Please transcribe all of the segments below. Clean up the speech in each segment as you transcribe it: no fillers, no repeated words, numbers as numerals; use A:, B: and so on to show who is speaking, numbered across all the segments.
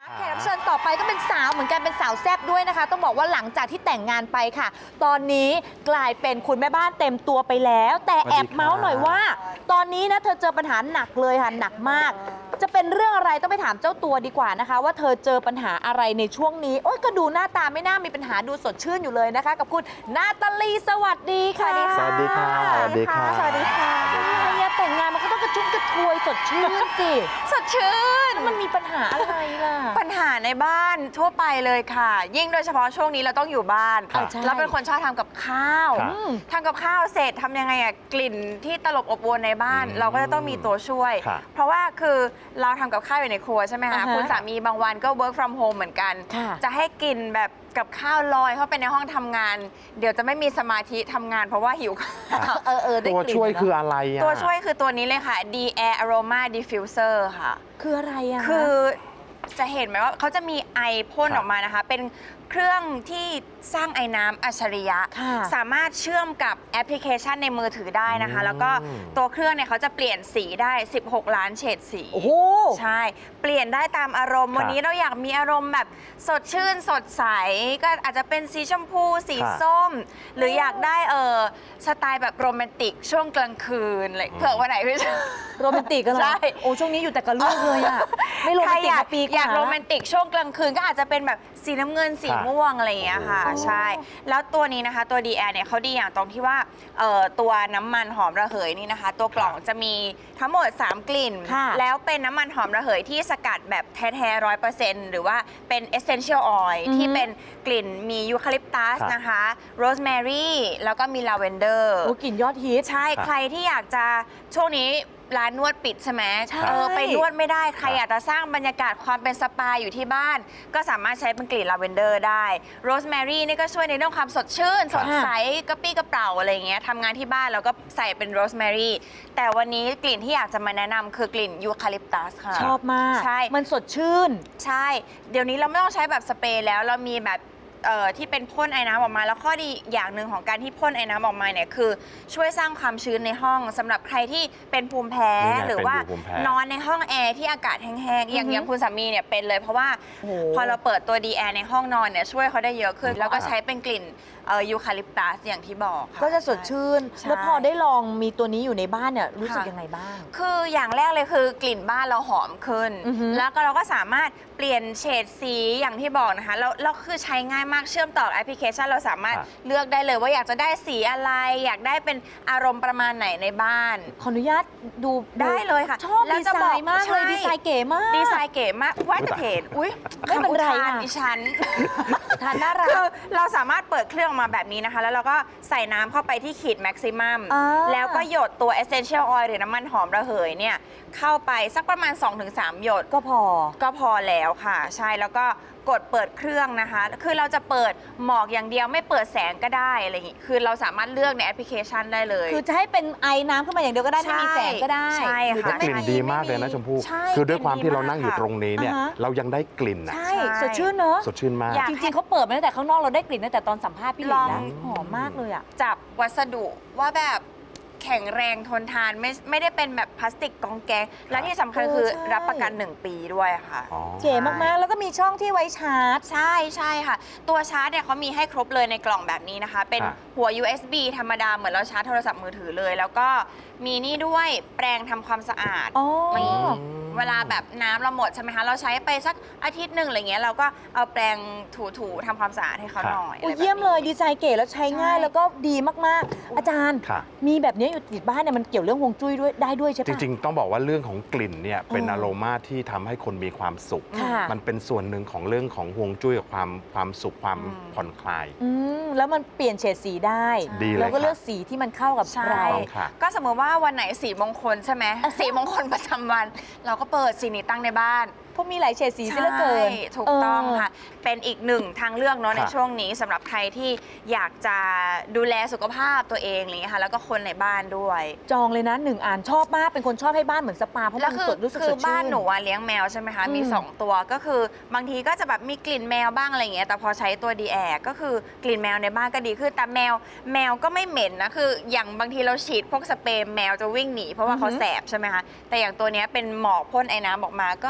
A: แขกรับเชิญต่อไปก็เป็นสาวเหมือนกันเป็นสาวแซ่บด้วยนะคะต้องบอกว่าหลังจากที่แต่งงานไปค่ะ ตอนนี้กลายเป็นคุณแม่บ้านเต็มตัวไปแล้ว แต่แอบเมาส์หน่อยว่า ตอนนี้นะเธอเจอปัญหาหนักเลยค่ะหนักมาก จะเป็นเรื่องอะไรต้องไปถามเจ้าตัวดีกว่านะคะ ว่าเธอเจอปัญหาอะไรในช่วงนี้โอ๊ยก็ดูหน้าตาไม่น่ามีปัญหาดูสดชื่นอยู่เลยนะคะ กับคุณนาตาลีสวัสดีค่ะ
B: สวัสดีค่ะ
A: สวัสดีค่ะสวัสดีค่ะแต่งงานมันก็ต้องกระชุ่มกระชวยสดชื่นสิ
C: สดชื่น
A: มันมีปัญหาอะไรล่ะ
C: ปัญหาในบ้านทั่วไปเลยค่ะ ยิ่งโดยเฉพาะช่วงนี้เราต้องอยู่บ้าน
B: ครับ
C: แล้วเป็นคนชอบทำกับข้าว
B: ครับ
C: ทำกับข้าวเสร็จทำยังไงอะกลิ่นที่ตลบอบอวนในบ้าน เราก็จะต้องมีตัวช่วย
B: ครับ
C: เพราะว่าคือเราทำกับข้าวอยู่ในครัวใช่ไหมคะ
A: อ่าฮะ
C: คุณสามีบางวันก็ work from home เหมือนกัน
A: ค่ะ
C: จะให้กลิ่นแบบกับข้าวลอยเข้าไปในห้องทำงาน เดี๋ยวจะไม่มีสมาธิทำงานเพราะว่าหิวข้าว
A: ได้
B: ตัว
A: กลิ่น
B: ช่วย
A: เนอะ
B: คืออะไรอ่ะ
C: ตัวช่วยคือตัวนี้เลยค่ะ D Air Aroma Diffuser ค่ะ
A: คืออะไรอะ
C: คือจะเห็นไหมว่าเขาจะมีไอพ่น
B: ครับ
C: ออกมานะคะ เป็นเครื่องที่สร้างไอน้ำอัจฉริยะ
A: ค่ะ
C: สามารถเชื่อมกับแอปพลิเคชันในมือถือได้นะคะ
B: อืม
C: แล้วก็ตัวเครื่องเนี่ยเขาจะเปลี่ยนสีได้ 16 ล้านเฉดสี
A: โอ้โห
C: ใช่ เปลี่ยนได้ตามอารมณ์
B: ครับ
C: วันนี้เราอยากมีอารมณ์แบบสดชื่นสดใส ก็อาจจะเป็นสีชมพู สี
B: ครับ
C: ส้ม หรืออยากได้สไตล์แบบโรแมนติกช่วงกลางคืนอะไรเผื่อวันไหนพี่ช
A: โรแมนติกกันเหรอ
C: ใช่
A: โอ้ช่วงนี้อยู่แต่กับลูกเลยอะไม่โรแม
C: ใคร
A: นติก
C: อยาก
A: มาปีกว่า
C: อยากโรแมนติกช่วงกลางคืนก็อาจจะเป็นแบบสีน้ำเงินสี
B: ค่ะ
C: ม่วงอะไรอย่างเงี้ยค่ะ
B: โอ้โห
C: ใช่ แล้วตัวนี้นะคะตัว d ีแเนี่ยเขาดีอย่างตรงที่ว่าตัวน้ำมันหอมระเหยนี่นะคะ ตัวกล่องจะมีทั้งหมด 3 กลิ่น
A: ค่ะ
C: แล้วเป็นน้ำมันหอมระเหยที่สกัดแบบแท้ๆ100%หรือว่าเป็น essential oil
A: อือฮึ
C: ที่เป็นกลิ่นมียูคาลิปตัส
B: ครับ
C: นะคะโรสแมรี่แล้วก็มีลาเวนเดอร์
A: โอ้กลิ่นยอดฮิต
C: ใช่
B: ครับ
C: ใครที่อยากจะช่วงนี้ร้านนวดปิดใช่ไหม
A: ใช่
C: ไปนวดไม่ได้ใคร
B: ครับ
C: อยากจะสร้างบรรยากาศความเป็นสปาอยู่ที่บ้าน ก็สามารถใช้เป็นกลิ่นลาเวนเดอร์ได้โรสแมรี่นี่ก็ช่วยในเรื่องความสดชื่น สดใสกระปี้กระเป๋าอะไรอย่างเงี้ยทำงานที่บ้านเราก็ใส่เป็นโรสแมรี่แต่วันนี้กลิ่นที่อยากจะมาแนะนำคือกลิ่นยูคาลิปตัสค่ะ
A: ชอบมาก
C: ใช่
A: มันสดชื่น
C: ใช่ เดี๋ยวนี้เราไม่ต้องใช้แบบสเปรย์แล้วเรามีแบบที่เป็นพ่นไอ้น้ำออกมา แล้วข้อดีอย่างหนึ่งของการที่พ่นไอ้น้ำออกมาเนี่ยคือช่วยสร้างความชื้นในห้องสำหรับใครที่เป็นภูมิแพ้
B: นี่ไง
C: หรือว่า
B: เป็นอยู่ภูมิแพ้
C: นอนในห้องแอร์ที่อากาศแห้งๆอย่างคุณสามีเนี่ยเป็นเลยเพราะว่า
A: โอ้โห
C: พอเราเปิดตัวดีแอร์ในห้องนอนเนี่ยช่วยเขาได้เยอะขึ้น แล้วก็ใช้เป็นกลิ่นยูคาลิปตัสอย่างที่บอกค่
A: ก็จะสดชื่น
C: ใช่
A: แล้วพอได้ลองมีตัวนี้อยู่ในบ้านเนี่ยรู้สึกยังไงบ้าง
C: คืออย่างแรกเลยคือกลิ่นบ้านเราหอมขึ้น
A: อือฮึ
C: แล้วก็เราก็สามารถเปลี่ยนเฉดสีอย่างที่บอกนะคะแล้วคือใช้ง่ายมากเชื่อมต่อแอปพลิเคชันเราสามารถ
B: ครับ
C: เลือกได้เลยว่าอยากจะได้สีอะไร อยากได้เป็นอารมณ์ประมาณไหนในบ้าน
A: ขออนุญาตดู
C: ได้เลยค่ะ
A: ชอบ
C: แล้ว
A: ดี
C: จะ
A: ไซ
C: บอก
A: น์มากเลย
C: ใช่
A: ดีไซน์เก๋มาก
C: ดีไซน์เก๋มากว่าแต่เห็นอุ้ย
A: ไม่เป็นไร
C: คำอุทาน
A: อะ
C: ดิฉัน
A: ทานน่ารั
C: คื
A: ก
C: อเราสามารถเปิดเครื่องออกมาแบบนี้นะคะ แล้วเราก็ใส่น้ำเข้าไปที่ขีดแม็กซิมัม
A: อ่า
C: แล้วก็หยดตัว Essential Oil หรือน้ำมันหอมระเหยเนี่ยเข้าไปสักประมาณ 2-3 หยด
A: ก็พอ
C: ก็พอแล้วค่ะ ใช่แล้วก็กดเปิดเครื่องนะคะ คือเราจะเปิดหมอกอย่างเดียวไม่เปิดแสงก็ได้อะไรอย่างงี้คือเราสามารถเลือกในแอปพลิเคชันได้เลย
A: คือจะให้เป็นไอ้น้ำขึ้นมาอย่างเดียวก็ได้ไม่มีแสงก็ได้
C: ใช่
A: หรือ
C: ค่ะ
A: จะ
B: กลิ่นดีมากเลยนะชมพู่
C: ใช่
B: คือด้วยความที่เรา
C: กลิ่นดีมาก
B: นั่งอยู่ตรงนี้เนี่ย
A: อ่าฮะ
B: เรายังได้กลิ่นอ่ะ
A: ใช่สดชื่นเนอะ
B: สดชื่นมาก
C: อยาก
A: จริงๆเขาเปิดมาตั้งแต่ข้างนอกเราได้กลิ่นตั้งแต่ตอนสัมภาษณ์พี่หลิน
C: ล
A: แล้ว
C: อง
A: หอมมากเลยอ่ะ
C: จับวัสดุว่าแบบแข็งแรงทนทานไม่ได้เป็นแบบพลาสติกกองแกงและที่สำคัญคือ
A: ใช่
C: รับประกัน 1 ปีด้วยค่ะ
B: อ๋อ
A: เก๋มากๆ แล้วก็มีช่องที่ไว้ชาร์จ
C: ใช่ใช่ค่ะ ตัวชาร์จเนี่ยเขามีให้ครบเลยในกล่องแบบนี้นะคะ เป็น
B: ค่ะ
C: หัว USB ธรรมดาเหมือนเราชาร์จโทรศัพท์มือถือเลย แล้วก็มีนี่ด้วยแปรงทำความสะอาด
A: อ๋อ
C: มีเวลาแบบน้ำเราหมดใช่ไหมคะ เราใช้ไปสักอาทิตย์หนึ่งอะไรเงี้ยเราก็เอาแปรงถูๆทำความสะอาดให้เขาหน่อย
A: โอ้
C: อะไรแบบนี้
A: เยี่ยมเลยดีไซน์เก๋แล้วใช้ง่าย
C: ใช่
A: แล้วก็ดีมากๆ อาจารย์
B: ค่ะ
A: มีแบบนี้อยู่ติดบ้านเนี่ยมันเกี่ยวเรื่องฮวงจุ้ยด้วยได้ด้วยใช่
B: จ
A: ปะ
B: ริงๆ ต้องบอกว่าเรื่องของกลิ่นเนี่ยเป็น
A: อ๋อ
B: อารมาที่ทำให้คนมีความสุข
A: ค่ะ
B: มันเป็นส่วนหนึ่งของเรื่องของฮวงจุ้ยกับความสุขความผ่อนคลาย
A: แล้วมันเปลี่ยนเฉดสีได้
B: ดีเลย
A: แล้วก็
B: ค่ะ
A: เลือกสีที่มันเข้ากับ
C: ใช่
A: เรา
B: ต้องค่ะ
C: ก็สมมติว่าวันไหนสีมงคลใช่ไหม สีมงคลประจำวัน เราก็เปิดสีนี้ตั้งในบ้าน
A: เพราะมีหลายเฉดสีซะเหลือเกิน
C: ใช่ถูกต้องค่ะ เป็นอีกหนึ่งทางเลือกเนาะ
B: ค่ะ
C: ในช่วงนี้สำหรับใครที่อยากจะดูแลสุขภาพตัวเองอะไรอย่างเงี้ยค่ะแล้วก็คนในบ้านด้วย
A: จองเลยนะ1 อ่านชอบมากเป็นคนชอบให้บ้านเหมือนสปาเพราะ
C: แล้ว
A: มัน
C: คือ
A: สดรู้สึก
C: คื
A: ส
C: อ
A: ดชื่น
C: บ้านหนูอะเลี้ยงแมวใช่ไหมคะมี
A: อืม
C: 2 ตัวก็คือบางทีก็จะแบบมีกลิ่นแมวบ้างอะไรอย่างเงี้ยแต่พอใช้ตัวดีแอก็คือกลิ่นแมวในบ้านก็ดีขึ้นแต่แมวก็ไม่เหม็นนะคืออย่างบางทีเราฉีดพวกสเปรย์แมวจะวิ่งหนีเพราะว่าเขาแสบใช่ไหมคะแต่อย่างตัวเนี้ยเป็นหมอกพ่นไอ้น้ำออกมาก็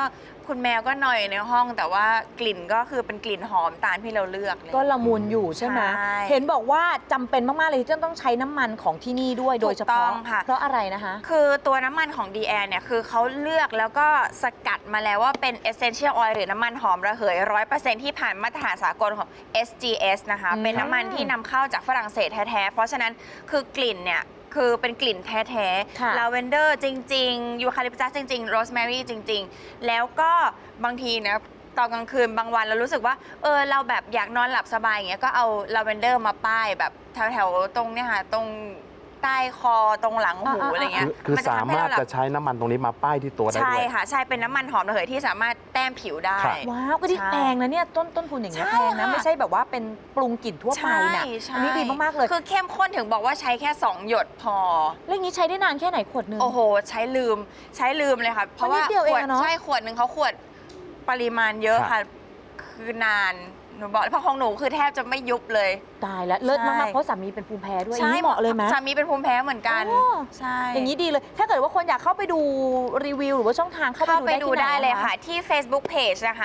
C: คุณแมวก็หน่อยในห้อง แต่ว่ากลิ่นก็คือเป็นกลิ่นหอมตามที่เราเลือกเลย
A: ก็ละมุนอยู่ใช่ไหม
C: ใช่
A: เห็นบอกว่าจำเป็นมาก ๆ เลยที่จะต้องใช้น้ำมันของที่นี่ด้วยโดยเฉ
C: ถูกต้
A: พาะ
C: องค่ะ
A: เพราะอะไรนะคะ
C: คือตัวน้ำมันของ d ีแอเนี่ยคือเขาเลือกแล้วก็สกัดมาแล้วว่าเป็น essential oil หรือน้ำมันหอมระเหย 100% ที่ผ่านมาตรฐานสากลของ SGS นะคะ
A: อืม
C: เป็นน้ำมันที่นำเข้าจากฝรั่งเศสแท้ ๆ เพราะฉะนั้นคือกลิ่นเนี่ยคือเป็นกลิ่นแท้
A: ค่ะ
C: ๆลาเวนเดอร์จริง ๆ ยูคาลิปตัสจริง ๆ โรสแมรี่จริง ๆ แล้วก็บางทีนะตอนกลางคืนบางวันเรารู้สึกว่าเราแบบอยากนอนหลับสบายอย่างเงี้ยก็เอาลาเวนเดอร์มาป้ายแบบแถวๆตรงเนี่ยค่ะตรงใต้คอตรงหลังหูอะไรเงี้ย
B: คือ
C: มัน
B: สา
C: ทำให้
B: มารถ
C: เหลับ
B: จะใช้น้ำมันตรงนี้มาป้ายที่ตัวได้
C: ใช่
B: ด้วย
C: ค่ะ ใช่เป็นน้ำมันหอมระเหยที่สามารถแต้มผิวได้
B: ครับ
A: ว้าวก็ที่
C: ใช่
A: แพงนะเนี่ยต้นทุนอย่างเงี้ย
C: ใช่
A: แพงนะ
C: ค่ะ
A: ไม่ใช่แบบว่าเป็นปรุงกลิ่นทั่วไปนะ
C: ใช่
A: อันนี้ดีมาก ๆ เลย
C: คือเข้มข้นถึงบอกว่าใช้แค่ 2 หยดพอ
A: แล้วอย่างนี้ใช้ได้นานแค่ไหนขวดหนึง
C: โอ้โห ใช้ลืมเลยค่ะ เพราะ
A: มันนิ
C: ว่า
A: ดเดียวเอง
C: ขวด
A: อะเนอะ
C: ใช่ขวดหนึ่งเขาขวดปริมาณเยอะ
B: ครับ
C: ค่ะ คือนานหนูบอกเพราะของหนูคือแทบจะไม่ยุบเลย
A: ตายแล้วเลิศมาก
C: ใช่
A: ๆ เพราะสามีเป็นภูมิแพ้ด้วยอย่างนี้เหมาะเลยไหม
C: สามีเป็นภูมิแพ้เหมือนกัน
A: โอ้
C: ใช่
A: อย่างนี้ดีเลย ถ้าเกิดว่าคนอยากเข้าไปดูรีวิวหรือว่าช่องทางเข้า
C: เข้า
A: ไป
C: ไป
A: ดู
C: ดู
A: ได้
C: ได้
A: ที่ไหน
C: เลย
A: อ
C: ค่ะ ที่ Facebook Page นะคะ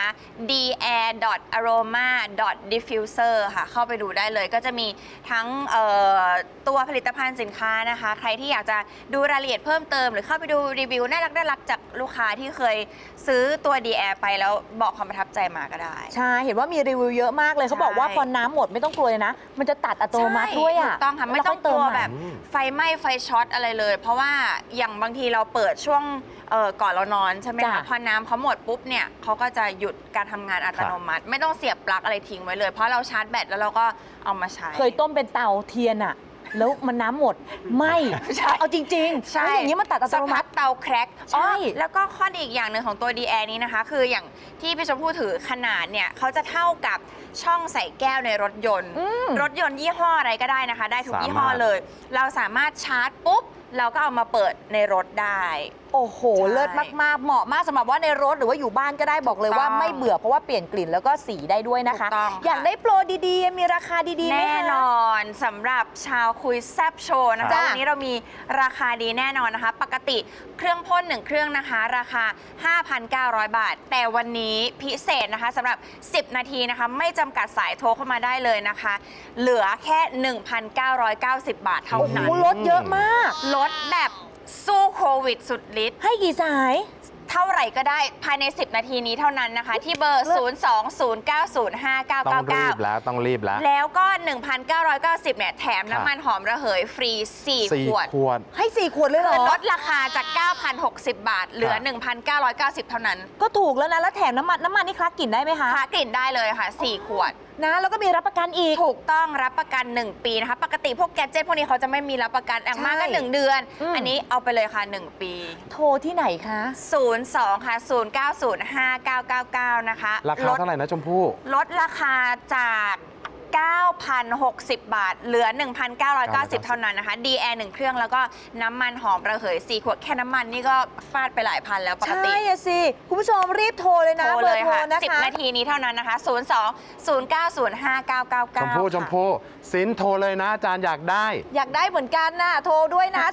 C: dair.aroma.diffuser ค่ะ เข้าไปดูได้เลยก็จะมีทั้งตัวผลิตภัณฑ์สินค้านะคะ ใครที่อยากจะดูรายละเอียดเพิ่มเติม หรือเข้าไปดูรีวิวน่ารักจากลูกค้าที่เคยซื้อตัว d ีแอไปแล้วบอกความประทับใจมาก็ได้
A: ใช่ เห็นว่ามีรีวิวเยอะมากเลยเขาบอกว่าพอน้ำหมดไม่ต้องกลัวเลยนะ มันจะตัดอัตโนมัติด้วยอ่ะ
C: ถูกต้องค่ะ ไม่ต้องกลัวแบบไฟไหม้ไฟช็อตอะไรเลย เพราะว่าอย่างบางทีเราเปิดช่วงก่อนเรานอนใช่ไหมคะพอน้ำเขาหมดปุ๊บเนี่ยเขาก็จะหยุดการทำงานอัตโนมัติ ไม่ต้องเสียบปลั๊กอะไรทิ้งไว้เลย เพราะเราชาร์จแบตแล้วเราก็เอามาใช้
A: เคยต้มเป็นเตาเทียนอ่ะ แล้วมันน้ำหมดไหม่
C: ใช่
A: เอาจริงๆ
C: ใช่
A: แล้วอย่างนี้มันตัดอัต
C: สัก
A: โน
C: พั
A: มั
C: ก
A: ติ
C: เตาแครก
A: ใช่
C: แล้วก็ข้อดีอีกอย่างหนึ่งของตัว d ีแอนี้นะคะ คืออย่างที่พี่ชมพู่ถือขนาดเนี่ยเขาจะเท่ากับช่องใส่แก้วในรถยนต์ รถยนต์ยี่ห้ออะไรก็ได้นะคะ ได้ทุกยี่ห้อเลย เราสามารถชาร์จปุ๊บ เราก็เอามาเปิดในรถได้
A: โอ้โห
C: ใช่
A: เลิศมากๆ เหมาะมากสำหรับว่าในรถหรือว่าอยู่บ้านก็ได้บอกเลยว่า
C: ถูกต้อง
A: ไม่เบื่อเพราะว่าเปลี่ยนกลิ่นแล้วก็สีได้ด้วยนะคะ
C: ถูกต้องค่ะ
A: อยากได้โปรดีๆ มีราคาดีๆไหม
C: แน่
A: คะ
C: นอนสำหรับชาวคุยแซบโชว์นะ
A: จ้ะ
C: คะวันนี้เรามีราคาดีแน่นอนนะคะ ปกติเครื่องพ่น1 เครื่องนะคะ ราคา 5,900 บาท แต่วันนี้พิเศษนะคะสำหรับ 10 นาทีนะคะ ไม่จำกัดสายโทรเข้ามาได้เลยนะคะ เหลือแค่ 1,990 บาทเท่า
A: โอ้โห
C: นั้น
A: ลดเยอะมาก
C: ลดแบบสู้โควิดสุดฤทธิ์
A: ให้กี่สาย
C: เท่าไหร่ก็ได้ภายใน 10 นาทีนี้เท่านั้นนะคะ ที่เบอร์
B: ต้องรีบ
C: 020905999
B: แล้วต้องรีบแล้ว
C: แล้วก็ 1,990 เนี่ย แถมน้ำมันหอมระเหยฟรี 4 ขวด
B: ขวด
A: ให้ 4 ขวดเลยเหร
C: คือ
A: อ
C: ลดราคาจาก 9,060 บาท เหลือ 1,990 เท่านั้น
A: ก็ถูกแล้วนะ แล้วแถมน้ำมันนี่คลักกลิ่นได้ไหมคะ
C: ค้ากลิ่นได้เลยค่ะ 4 ขวด
A: นะ แล้วก็มีรับประกันอีก
C: ถูกต้องรับประกัน 1 ปีนะคะ ปกติพวกแกดเจ็ตพวกนี้เขาจะไม่มีรับประกันอย่างมากก็
A: ใช่
C: 1 เดือน
A: อืม
C: อันนี้เอาไปเลยค่ะ 1 ปี
A: โทรที่ไหนคะ
C: 02 ค่ะ 0905999 นะคะ
B: ราคาเท่าไหร่นะชมพู่
C: ลดราคาจาก 9,060 บาท เหลือ 1,990 เท่านั้นนะคะ D-Air 1 เครื่องแล้วก็น้ำมันหอมระเหย 4 ขวด แค่น้ำมันนี่ก็ฟาดไปหลายพันแล้วปกติ
A: ใช่อะสิ คุณผู้ชมรีบโทรเลยนะ
C: โทร
A: เบ
C: เล
A: อร์
C: ย
A: โทร
C: ค่ะ
A: นะคะ
C: 10 นาทีนี้เท่านั้นนะคะ 02-090-5999
B: ชมพู่ชมพู่สินโทรเลยนะอาจารย์อยากได้
A: อยากได้เหมือนกันนะโทรด้วยนะ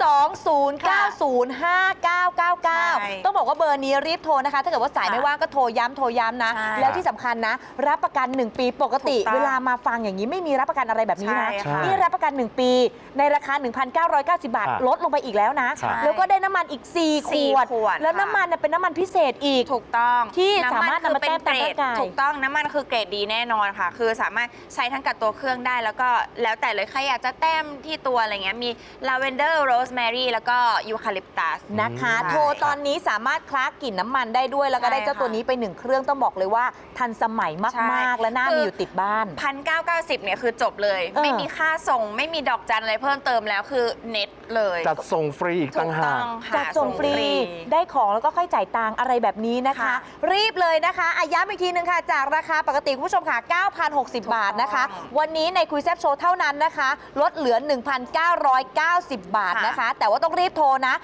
A: 020905999 ต้องบอกว่าเบอร์นี้รีบโทรนะคะ ถ้าเกิดว่าสายไม่ว่างก็โทรย้ำนะ
C: ใช่
A: แล้วที่สำคัญนะ รับประกัน 1 ปีปกติ
C: ถูกต้อง
A: เวลามาฟังอย่างนี้ไม่มีรับประกันอะไรแบบนี้นะ
C: ใช่ค่ะ
A: นี่รับประกัน 1 ปี ในราคา 1,990 บาท
B: ครับ
A: ลดลงไปอีกแล้วนะ
B: ใช่
A: แล้วก็ได้น้ำมันอีก 4 ข
C: 4
A: วด
C: ขวด
A: แล้ว
C: ค่ะ
A: น้ำมันเนี่ยเป็นน้ำมันพิเศษอีก
C: ถูกต้อง
A: ที่
C: ำ
A: สามารถนำมาแต้มตามร่างกาย
C: ถูกต้องน้ำมันคือเกรดดีแน่นอนค่ะ คือสามารถใช้ทั้งกับตัวเครื่องได้แล้วก็แล้วแต่เลยใครอยากจะแต้มที่ตัวอะไรเงี้ยมีลาเวนเดอร์โรสแมรี่แล้วก็ยูคาลิปตัส
A: นะคะ
C: ใช่
A: โทรตอนนี้สามารถคลากกลิ่นน้ำมันได้ด้วย แล้วก็
C: ใช่
A: ได้เจ้าตัวนี้ไป 1 เครื่องต้องบอกเลยว่าทันสมัย
C: ใช่
A: มาก ๆ และน่า
C: คือ
A: มีอยู่ติดบ้าน
C: 1,990 เนี่ยคือจบเลย ไม่มีค่าส่งไม่มีดอกจันอะไรเพิ่มเติมแล้วคือเน็ตเลย
B: จัดส่งฟรีอีก
C: ถู
B: ต่าง
C: ก
B: หา
C: ต้
B: ก
C: องค่ะ
A: จัดส่งฟรีได้ของแล้วก็ค่อยจ่ายตังค์อะไรแบบนี้นะคะ
C: ค่ะ
A: รีบเลยนะคะย้ำอีกทีนึงค่ะ จากราคาปกติคุณผู้ชมค่ะ 9,060 บาทนะคะ วันนี้ในคุยแซบโชว์เท่านั้นนะคะ ลดเหลือ 1,990 บาทนะคะ แต่ว่าต้องรีบโทรนะ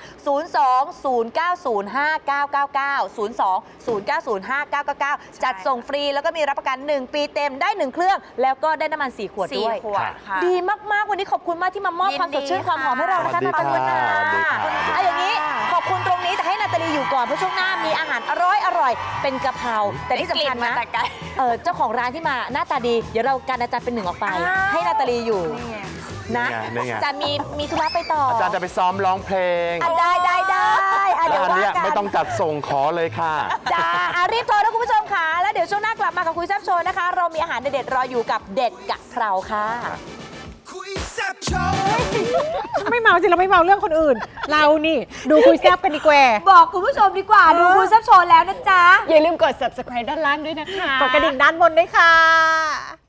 A: 020905999 020905999 จัดส่งฟรีแล้วก็มีรับประกัน 1 ปีเต็มได้ 1 เครื่องแล้วแล้วก็ได้น้ำมัน4 ขวดด้วย
C: 4 ขวดค่ะ
A: ดีมากๆวันนี้ขอบคุณมากที่มามอบ
C: ยินดี
A: ความสดชื่นความหอมให้เรานะคะ
B: สวั
A: นา
B: สดี
A: ตาลี
B: ค่ะ
A: ค่ะ
B: สวัสดีค่ะ
A: เอาอย่างนี้ขอบคุณตรงนี้แต่ให้นาตาลีอยู่ก่อนเพราะช่วงหน้ามีอาหารอร่อยเป็นกะเพราแต่ที่สำคัญ
C: มา
A: นะ
C: แต่ไกล
A: เจ้าของร้านที่มาหน้าตาดีเดี๋ยวเรากันอาจารย์เป็นหนึ่งออกไป
C: อ้าว
A: ให้นาตาลีอยู่นะ
B: นี่ไง
A: จะมีธุระไปต่อ
B: อาจารย์จะไปซ้อมร้องเพลง
A: ได้เดี๋ยว
B: แล้วอัน
A: ว่า
B: เนี้ย
A: กัน
B: ไม่ต้องจัดส่งขอเลยค่ะ
A: จ้ารีบโทรนะคุณผู้ชมค่ะแล้วเดี๋ยวช่วงหน้ากลับมากับคุยแซ่บโชว์นะคะ เรามีอาหารเด็ดๆรออยู่กับเด็ดกะเพราค่ะ
D: ไม่เมาสิเราไม่เมาเรื่องคนอื่น เรานี่ดูคุยแซบกันดีกว่า
A: บอกคุณผู้ชมดีกว่าดูคุยแซ่บโชว์แล้วนะจ๊ะ
D: อย่าลืมกด subscribe ด้านล่างด้วยนะคะ กดกระดิ่งด้านบนด้วยค่ะ